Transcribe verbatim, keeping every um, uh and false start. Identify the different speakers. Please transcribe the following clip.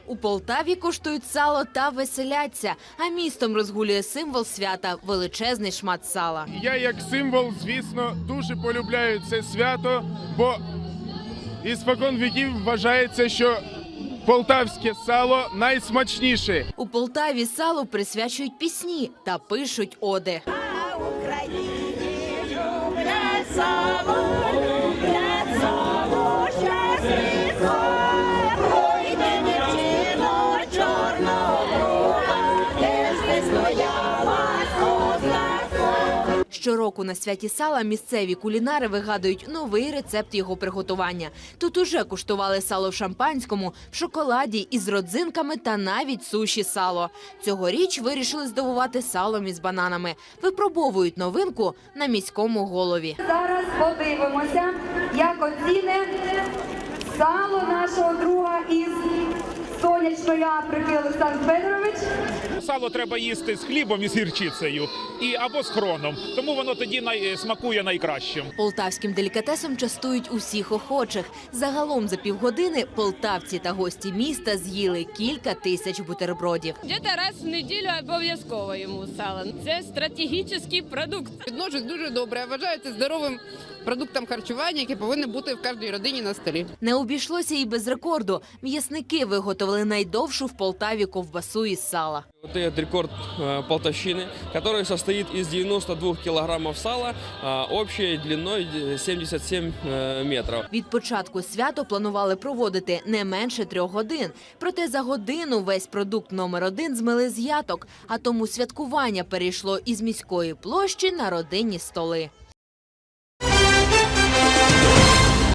Speaker 1: У Полтаві куштують сало та веселяться, а містом розгулює символ свята – величезний шмат сала.
Speaker 2: Я як символ, звісно, дуже полюбляю це свято, бо іспокон віків вважається, що полтавське сало найсмачніше.
Speaker 1: У Полтаві салу присвячують пісні та пишуть оди.
Speaker 3: А в Україні люблять сало, люблять сало, щасливо. Ой, де дівчино чорного, де ж ти стояла з козаком.
Speaker 1: Щороку на святі сала місцеві кулінари вигадують новий рецепт його приготування. Тут уже куштували сало в шампанському, в шоколаді, із родзинками та навіть суші сало. Цьогоріч вирішили здивувати салом із бананами. Випробовують новинку на міському голові.
Speaker 4: Зараз подивимося, як оціне сало нашого друга із сонячної Африки Олександр Федорович.
Speaker 5: Сало треба їсти з хлібом і з гірчицею, і або з хроном, тому воно тоді най... смакує найкращим.
Speaker 1: Полтавським делікатесом частують усіх охочих. Загалом за півгодини полтавці та гості міста з'їли кілька тисяч бутербродів.
Speaker 6: Где-то раз в неділю обов'язково йому сало. Це стратегічний продукт.
Speaker 7: Відношусь дуже добре. Я вважаю це здоровим продуктом харчування, який повинен бути в кожній родині на столі.
Speaker 1: Не обійшлося і без рекорду. М'ясники виготовили найдовшу в Полтаві ковбасу із сала.
Speaker 8: Вот этот рекорд э, Полтавщины, который состоит из девяноста двух килограммов сала, э, общей длиной сімдесят сім э, метров.
Speaker 1: Від початку свято планували проводити не менше трьох годин. Проте за годину весь продукт номер один змили з яток, а тому святкування перейшло із міської площі на родинні столи.